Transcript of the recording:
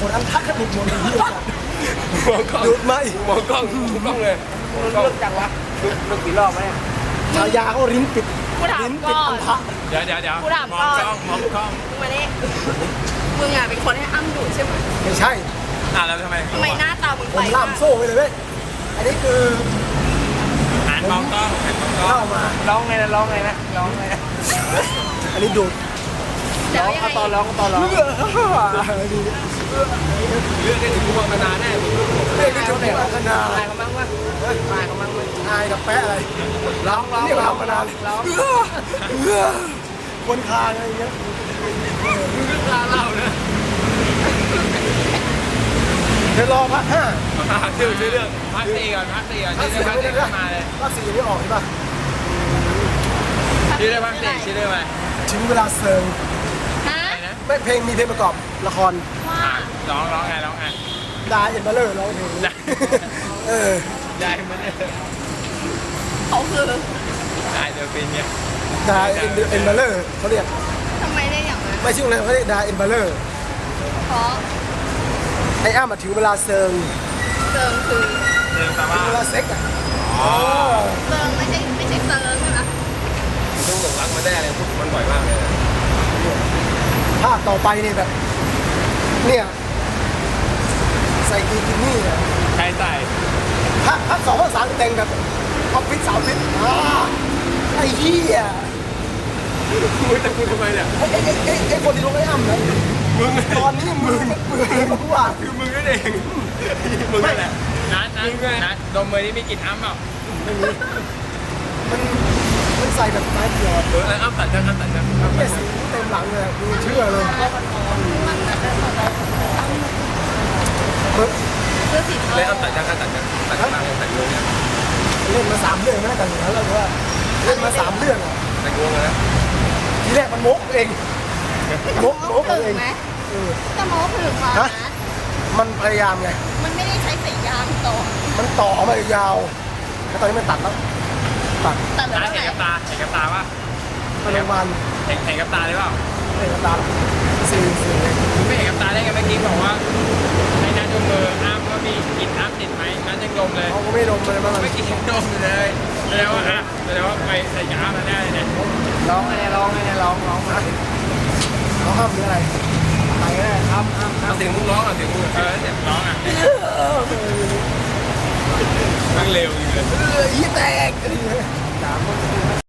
ดอันทักขนุดหมดเลยมองกล้องดูดไหมมองกล้องเลยมองกล้องเลิกจังวะเลิกกี่รอบวะเนี่ยฉายาเขาลิ้นปิดกูถามลิ้นก่ปิดออันนทะเดี๋ยวกูถามมก่องอนกล้องมองกล้องมึงมานี่มึงอ่ะเป็นคนให้อ้ำดูดใช่ไหมไม่ใช่แล้วทำไมทำไมหน้าตามึงผไปมล่ามโซ่ไปเลยเว้ยอันนี้คือหันมองกล้องหันมองกล้อเข้าง มาร้องไงนะร้องไงนะร้องไงนะอันนี้ดูดแล้วร้องยังเอาไงตอนร้องตอนร้องเลือดเรื่องได้ถึงกูมองมานานแน่เรียกได้ถึงพัฒนาตายเขามั่งวะตายเขามั่งวะอายกับแปะอะไรร้องร้องเรียกเรามานานร้องคนคางอะไรเงี้ยลาเล่านะเดี๋ยวรอพักห้าชื่อเรื่องพักสี่ก่อนชื่อพักสี่มาเลยภาคสี่ยังไม่ออกใช่ป่ะชื่อเรื่องพักสี่ชื่อเรื่องอะไรถึงเวลาเซิร์งฮะนะไม่เพลงมีเพลงประกอบละครว่าร้องไงดาเอ็นเบลเลอร์ร้องเพลงเออได้มันเนี่ยเขาคือได้เดี๋ยวเป็นเงี้ยดาเอ็นเบลเลอร์เขาเรียกทำไมได้อย่างนั้นไม่ชื่ออะไรเขาเรียกดาเอ็นเบลเลอร์เพราะไอ้อ้ามาถึงเวลาเซิร์งเซิร์งคือเรื่องสาถึมางเวลาเซ็กอ่ะเซิร์งไม่ใช่เซิร์งใช่ไหมต้องหลงรักมาได้อะไรพูดมันบ่อยมากเลยภาคต่อไปเนี่ยแบบ เนี่ยใส่กีกินี่อ่ะใครใส่ภาคสองภาคสามแต่งแบบออฟฟิศสาวฟิศไอ้เหี้ยมึงจะพูดทำไมเนี่ยไอ้คนที่ลงไอ้อ้ำนะมึงตอนนี้มือเปื่อยเพราะว่าคือมึงนั่นเองมึงนั่นแหละนัดดมมือนี่มีกลิ่นอ้ำเปล่ามันใส่แบบไม้เดียวอ้ำตัดกันเนี่ยสีเต็มหลังเลยดูเชื่อเลยเสื้อสีเทาเลยอ้ำตัดกันตัดกันตัดงวงเนี่ยเล่นมา3 เรื่องไม่ได้แต่งแล้วเลยว่าเล่นมา3 เรื่องอ่ะตัดงวงเลยนะทีแรกมันมกเองมกถึเองงไหมเออจะโม้ถึงเหรอนะมันพยายามไงมันไม่ได้ใช้สายยางต่อมันต่อมายาวแล้วตอนนี้มันตัดแล้วตัดแต่เหลือเห็นเท่ากับไหร่ตาเห็นกับตาป่ะมันประมาณเห็นกับตาได้เปล่าเอกตาสี่ไม่เห็นกับตาได้ไงเมื่อกี้บอกว่าในนัดดมมืออ้ำว่ามีกลิ่นอ้ำติดไหมนัดยังดมเลยเขาก็ไม่ลงเลยมันไม่กินยังดมอยู่เลยแสดงว่าไปใส่ยามาแน่เลยเนี่ยร้องไงนะร้องไงนะร้องร้องมาเขาห้ามหรืออะไรไปก็ได้ห้ามเอาเสียงมึงร้องอ่ะเสียงมึงเสียงร้องอ่ะมันเร็วจริงเลยยี่แตกอะไรอย่างเงี้ย